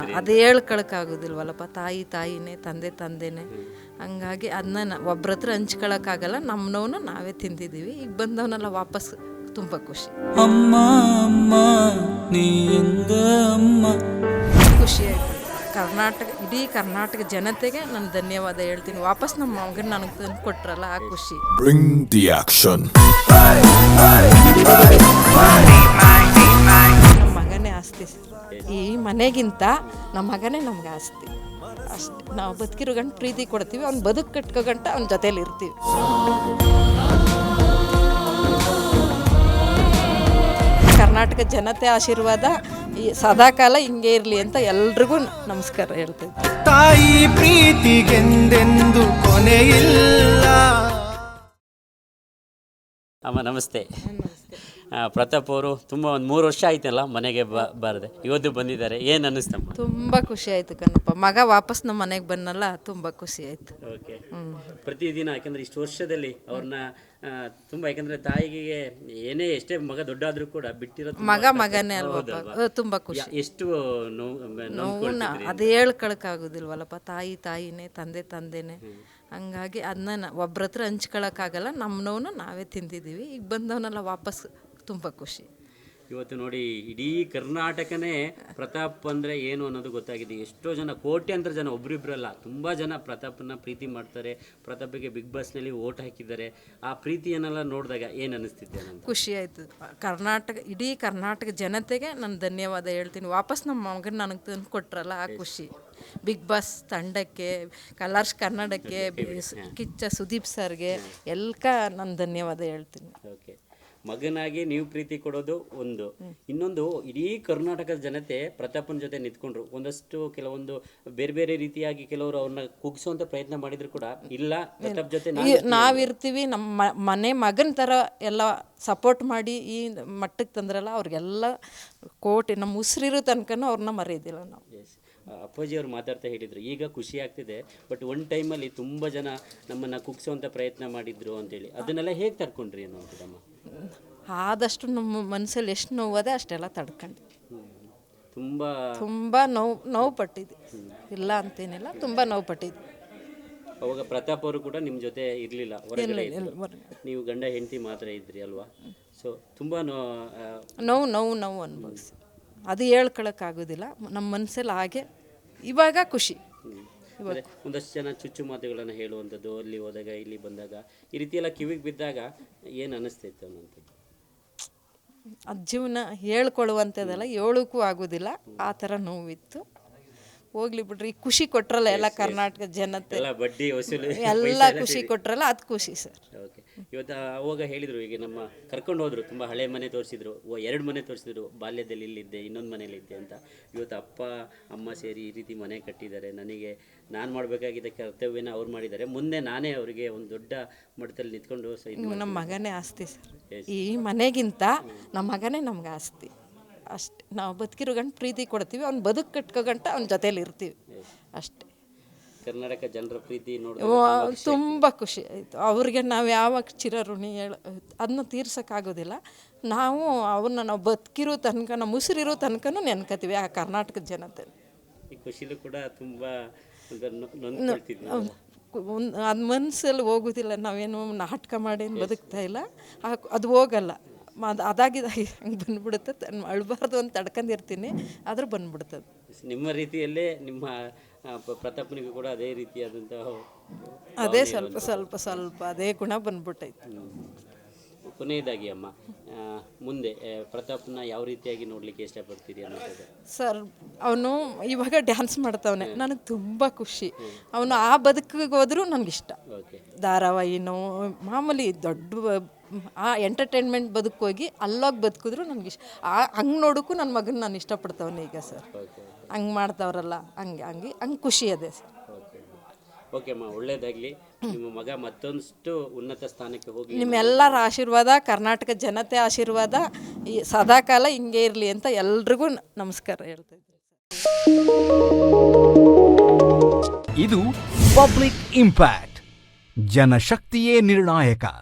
ಅದು ಹೇಳ್ಕೊಳಕ್ಕಾಗೋದಿಲ್ವಲ್ಲಪ್ಪ. ತಾಯಿನೇ, ತಂದೆನೇ. ಹಂಗಾಗಿ ಅದನ್ನ ಒಬ್ರ ಹತ್ರ ಹಂಚ್ಕೊಳಕ್ಕಾಗಲ್ಲ. ನಮ್ಮನವನ್ನ ನಾವೇ ತಿಂದಿದ್ದೀವಿ. ಈಗ ಬಂದವನ್ನೆಲ್ಲ ವಾಪಸ್ ತುಂಬ ಖುಷಿ. ಅಮ್ಮ ಅಮ್ಮ ನೀ ಎಂದ ಅಮ್ಮ. ಖುಷಿ ಆಯಿತು. ಇಡೀ ಕರ್ನಾಟಕ ಜನತೆಗೆ ನಾನು ಧನ್ಯವಾದ ಹೇಳ್ತೀನಿ. ವಾಪಸ್ ನಮ್ಮ ಮಗನ ನನಗೆ ತಂದು ಕೊಟ್ರಲ್ಲ, ಆ ಖುಷಿ. Bring the action. ನಮ್ಮ ಮಗನೇ ಆಸ್ತಿ ಸರ್. ಈ ಮನೆಗಿಂತ ನಮ್ಮ ಮಗನೇ ನಮ್ಗೆ ಆಸ್ತಿ ಅಷ್ಟೇ. ನಾವು ಬದುಕಿರೋ ಗಂಟು ಪ್ರೀತಿ ಕೊಡ್ತೀವಿ, ಅವ್ನು ಬದುಕು ಕಟ್ಕೋ ಗಂಟ ಅವ್ನ ಜೊತೇಲಿ ಇರ್ತೀವಿ. ಕರ್ನಾಟಕ ಜನತೆ ಆಶೀರ್ವಾದ ಸದಾಕಾಲ ಹಿಂಗೆ ಇರಲಿ ಅಂತ ಎಲ್ರಿಗೂ ನಮಸ್ಕಾರ ಹೇಳ್ತೀವಿ. ತಾಯಿ ಪ್ರೀತಿಗೆಂದೆಂದು ಕೊನೆಯಿಲ್ಲ. ಅಮ್ಮ ನಮಸ್ತೆ. ಪ್ರತಾಪ್ ಅವರು ತುಂಬ ಒಂದು 3 ವರ್ಷ ಆಯ್ತಲ್ಲ ಮನೆಗೆ ಬಾರದೆ, ಇವತ್ತು ಬಂದಿದ್ದಾರೆ. ಏನು ಅನ್ನಿಸ್ತಮ್ಮ? ತುಂಬ ಖುಷಿ ಆಯಿತು ಕಣಪ್ಪ. ಮಗ ವಾಪಸ್ ನಮ್ಮ ಮನೆಗೆ ಬಂದಲ್ಲ, ತುಂಬ ಖುಷಿ ಆಯಿತು. ಓಕೆ. ಪ್ರತಿದಿನ ಯಾಕಂದರೆ ಇಷ್ಟು ವರ್ಷದಲ್ಲಿ ಅವ್ರನ್ನ ತುಂಬ, ಯಾಕಂದರೆ ತಾಯಿಗೆ ಎಷ್ಟೇ ಮಗ ದೊಡ್ಡಾದರೂ ಕೂಡ ಬಿಟ್ಟಿರೋದು ಮಗನೇ ಅಲ್ವಪ್ಪ. ತುಂಬ ಖುಷಿ. ಎಷ್ಟು ನೋವು ಅದು ಹೇಳ್ಕೊಳಕ್ಕಾಗೋದಿಲ್ವಲ್ಲಪ್ಪ. ತಾಯಿನೇ, ತಂದೆನೇ. ಹಂಗಾಗಿ ಅದನ್ನ ಒಬ್ರ ಹತ್ರ ಹಂಚ್ಕೊಳಕ್ಕಾಗಲ್ಲ. ನಮ್ಮನವನ್ನ ನಾವೇ ತಿಂದಿದ್ದೀವಿ. ಈಗ ಬಂದವನ್ನೆಲ್ಲ ವಾಪಸ್ ತುಂಬ ಖುಷಿ. ಇವತ್ತು ನೋಡಿ, ಇಡೀ ಕರ್ನಾಟಕನೇ ಪ್ರತಾಪ್ ಅಂದರೆ ಏನು ಅನ್ನೋದು ಗೊತ್ತಾಗಿದೆ. ಎಷ್ಟೋ ಜನ, ಕೋಟ್ಯಾಂತರ ಜನ, ಒಬ್ರಿಬ್ರಲ್ಲ, ತುಂಬ ಜನ ಪ್ರತಾಪನ್ನ ಪ್ರೀತಿ ಮಾಡ್ತಾರೆ. ಪ್ರತಾಪಿಗೆ ಬಿಗ್ ಬಾಸ್ನಲ್ಲಿ ವೋಟ್ ಹಾಕಿದ್ದಾರೆ. ಆ ಪ್ರೀತಿಯನ್ನೆಲ್ಲ ನೋಡಿದಾಗ ಏನು ಅನ್ನಿಸ್ತಿದ್ದೆ? ಖುಷಿ ಆಯಿತು. ಇಡೀ ಕರ್ನಾಟಕ ಜನತೆಗೆ ನಾನು ಧನ್ಯವಾದ ಹೇಳ್ತೀನಿ. ವಾಪಸ್ ನಮ್ಮ ಮಗನ ನನಗೆ ತಂದು ಕೊಟ್ರಲ್ಲ, ಆ ಖುಷಿ. ಬಿಗ್ ಬಾಸ್ ತಂಡಕ್ಕೆ, ಕಲರ್ಸ್ ಕನ್ನಡಕ್ಕೆ, ಕಿಚ್ಚ ಸುದೀಪ್ ಸರ್ಗೆ ನಾನು ಧನ್ಯವಾದ ಹೇಳ್ತೀನಿ. ಓಕೆ. ಮಗನಾಗಿ ನೀವು ಪ್ರೀತಿ ಕೊಡೋದು ಒಂದು, ಇನ್ನೊಂದು ಇಡೀ ಕರ್ನಾಟಕದ ಜನತೆ ಪ್ರತಾಪನ ಜೊತೆ ನಿಂತ್ಕೊಂಡ್ರು. ಕೆಲವೊಂದು ಬೇರೆ ಬೇರೆ ರೀತಿಯಾಗಿ ಕೆಲವರು ಅವ್ರನ್ನ ಕುಗ್ಸುವಂತ ಪ್ರಯತ್ನ ಮಾಡಿದ್ರು ಕೂಡ, ಇಲ್ಲ ಪ್ರತಾಪ್ ಜೊತೆ ನಾವಿರ್ತೀವಿ, ನಮ್ಮ ಮನೆ ಮಗನ ಥರ ಎಲ್ಲ ಸಪೋರ್ಟ್ ಮಾಡಿ ಈ ಮಟ್ಟಕ್ಕೆ ತಂದ್ರಲ್ಲ, ಅವ್ರಿಗೆಲ್ಲ ನಮ್ಮ ಉಸಿರಿರೋ ತನಕನೂ ಅವ್ರನ್ನ ಮರೆಯೋದಿಲ್ಲ ನಾವು. ಅಪ್ಪಾಜಿ ಅವ್ರು ಮಾತಾಡ್ತಾ ಹೇಳಿದರು, ಈಗ ಖುಷಿ ಆಗ್ತಿದೆ, ಬಟ್ ಒಂದು ಟೈಮಲ್ಲಿ ತುಂಬ ಜನ ನಮ್ಮನ್ನು ಕುಗ್ಸುವಂಥ ಪ್ರಯತ್ನ ಮಾಡಿದ್ರು ಅಂತೇಳಿ. ಅದನ್ನೆಲ್ಲ ಹೇಗೆ ತಡ್ಕೊಂಡ್ರಿ ಅನ್ನೋದಮ್ಮ? ಆದಷ್ಟು ನಮ್ಮ ಮನಸ್ಸಲ್ಲಿ ಎಷ್ಟು ನೋವದೆ ಅಷ್ಟೆಲ್ಲ ತಡ್ಕೊಂಡು ತುಂಬ ನೋವು ಪಟ್ಟಿದ್ದೆ. ಇಲ್ಲ ಅಂತೇನಿಲ್ಲ, ತುಂಬ ನೋವು ಪಟ್ಟಿದ್ದೆ. ಅವಾಗ ಪ್ರತಾಪ್ ಅವರು ಕೂಡ ನಿಮ್ಮ ಜೊತೆ ಇರಲಿಲ್ಲ, ನೀವು ಗಂಡ ಹೆಂಡತಿ ಮಾತ್ರ ಇದ್ರಿ ಅಲ್ವಾ? ಸೊ ತುಂಬ ನೋವು ಅನುಭವಿಸಿ. ಅದು ಹೇಳ್ಕೊಳಕ್ಕಾಗೋದಿಲ್ಲ. ನಮ್ಮ ಮನಸ್ಸಲ್ಲಿ ಹಾಗೆ ಇವಾಗ ಖುಷಿ. ಒಂದಷ್ಟು ಜನ ಚುಚ್ಚು ಮಾತುಗಳನ್ನು ಹೇಳುವಂಥದ್ದು, ಅಲ್ಲಿ ಹೋದಾಗ ಇಲ್ಲಿ ಬಂದಾಗ ಈ ರೀತಿ ಎಲ್ಲ ಕಿವಿಗೆ ಬಿದ್ದಾಗ ಏನು ಅನ್ನಿಸ್ತಿತ್ತು ಅನ್ನೋಂಥದ್ದು? ಅದು ಜೀವನ ಹೇಳ್ಕೊಳ್ಳುವಂಥದ್ದೆಲ್ಲ, ಹೇಳೋಕ್ಕೂ ಆಗೋದಿಲ್ಲ. ಆ ಥರ ನೋವಿತ್ತು. ಹೋಗ್ಲಿ ಬಿಡ್ರಿ, ಖುಷಿ ಕೊಟ್ರಲ್ಲ ಎಲ್ಲ ಕರ್ನಾಟಕ ಜನತೆ, ಬಡ್ಡಿ ವಸೂಲಿ ಎಲ್ಲ ಖುಷಿ ಕೊಟ್ರಲ್ಲ, ಅದು ಖುಷಿ ಸರ್. ಓಕೆ. ಇವತ್ತು ಅವಾಗ ಹೇಳಿದರು, ಈಗ ನಮ್ಮ ಕರ್ಕೊಂಡು ಹೋದರು, ತುಂಬ ಹಳೆ ಮನೆ ತೋರಿಸಿದ್ರು, 2 ಮನೆ ತೋರಿಸಿದ್ರು, ಬಾಲ್ಯದಲ್ಲಿ ಇಲ್ಲಿದ್ದೆ, ಇನ್ನೊಂದು ಮನೇಲಿದ್ದೆ ಅಂತ. ಇವತ್ತು ಅಪ್ಪ ಅಮ್ಮ ಸೇರಿ ಈ ರೀತಿ ಮನೆ ಕಟ್ಟಿದ್ದಾರೆ. ನಾನು ಮಾಡಬೇಕಾಗಿದ್ದ ಕರ್ತವ್ಯನ ಅವ್ರು ಮಾಡಿದ್ದಾರೆ. ಮುಂದೆ ನಾನೇ ಅವರಿಗೆ ಒಂದು ದೊಡ್ಡ ಮಟ್ಟದಲ್ಲಿ ನಿಂತ್ಕೊಂಡು ನಮ್ಮ ಮಗನೇ ಆಸ್ತಿ ಸರ್. ಈ ಮನೆಗಿಂತ ನಮ್ಮ ಮಗನೇ ನಮ್ಗೆ ಆಸ್ತಿ ಅಷ್ಟೇ. ನಾವು ಬದುಕಿರೋ ಗಂಟು ಪ್ರೀತಿ ಕೊಡ್ತೀವಿ, ಅವ್ನು ಬದುಕು ಕಟ್ಕೋ ಗಂಟ ಅವ್ನ ಜೊತೇಲಿ ಇರ್ತೀವಿ ಅಷ್ಟೇ. ಕರ್ನಾಟಕ ಜನರ ಪ್ರೀತಿ ನೋಡಿ ತುಂಬ ಖುಷಿ ಆಯಿತು. ಅವ್ರಿಗೆ ನಾವು ಯಾವಾಗ ಚಿರಋಣಿ ಅದನ್ನ ತೀರ್ಸೋಕ್ಕಾಗೋದಿಲ್ಲ. ನಾವು ಬದುಕಿರೋ ತನಕ, ನಮ್ಮ ಉಸಿರಿರೋ ತನಕನೂ ನೆನ್ಕೋತೀವಿ ಆ ಕರ್ನಾಟಕದ ಜನತೆ. ಈ ಖುಷಿಲೂ ಕೂಡ ತುಂಬ ಅದು ಮನಸ್ಸಲ್ಲಿ ಹೋಗೋದಿಲ್ಲ. ನಾವೇನು ನಾಟಕ ಮಾಡೇನು ಬದುಕ್ತಾ ಇಲ್ಲ, ಅದು ಹೋಗಲ್ಲ. ಅದಾಗಿದ್ದಾಗಿ ಹಂಗೆ ಬಂದ್ಬಿಡುತ್ತೆ. ಅಳ್ಬಾರ್ದು ಅಂತ ತಡ್ಕೊಂಡಿರ್ತೀನಿ, ಆದರೂ ಬಂದ್ಬಿಡ್ತದೆ. ನಿಮ್ಮ ರೀತಿಯಲ್ಲೇ ನಿಮ್ಮ ಪ್ರತಾಪ್ನಿಗೂ ಕೂಡ ಅದೇ ರೀತಿಯಾದಂಥ ಅದೇ ಸ್ವಲ್ಪ ಅದೇ ಗುಣ ಬಂದ್ಬಿಟ್ಟೈತೆ. ಕೊನೆಯದಾಗಿ ಅಮ್ಮ, ಮುಂದೆ ಪ್ರತಾಪ್ನ ಯಾವ ರೀತಿಯಾಗಿ ನೋಡಲಿಕ್ಕೆ ಇಷ್ಟಪಡ್ತೀರಿ ಅನ್ನೋದು? ಸರ್, ಅವನು ಇವಾಗ ಡ್ಯಾನ್ಸ್ ಮಾಡ್ತಾವನೆ, ನನಗೆ ತುಂಬ ಖುಷಿ. ಅವನು ಆ ಬದುಕಿಗೆ ಹೋದ್ರೂ ನನಗಿಷ್ಟ. ಧಾರಾವಾಹಿನೋ ಮಾಮೂಲಿ ದೊಡ್ಡ ಆ ಎಂಟರ್ಟೈನ್ಮೆಂಟ್ ಬದುಕೋಗಿ ಅಲ್ಲೋಗಿ ಬದುಕಿದ್ರು ನನಗಿಷ್ಟ. ಹಂಗೆ ನೋಡೋಕ್ಕೂ ನನ್ನ ಮಗನ ನಾನು ಇಷ್ಟಪಡ್ತಾವನೆ ಈಗ ಸರ್. ಹಂಗೆ ಮಾಡ್ತಾವ್ರಲ್ಲ, ಹಂಗೆ ಖುಷಿ ಅದೇ ಸರ್. ಓಕೆ ಅಮ್ಮ, ಒಳ್ಳೇದಾಗಲಿ. ನಿಮ್ಮ ಮಗ ಮತ್ತೊಂದಷ್ಟು ಉನ್ನತ ಸ್ಥಾನಕ್ಕೆ ಹೋಗಿ, ನಿಮ್ಮೆಲ್ಲರ ಆಶೀರ್ವಾದ, ಕರ್ನಾಟಕ ಜನತೆ ಆಶೀರ್ವಾದ ಸದಾಕಾಲ ಹಿಂಗೆ ಇರಲಿ ಅಂತ ಎಲ್ರಿಗೂ ನಮಸ್ಕಾರ ಹೇಳ್ತಾ ಇದ್ದೀನಿ. ಇದು ಪಬ್ಲಿಕ್ ಇಂಪ್ಯಾಕ್ಟ್. ಜನಶಕ್ತಿಯೇ ನಿರ್ಣಾಯಕ.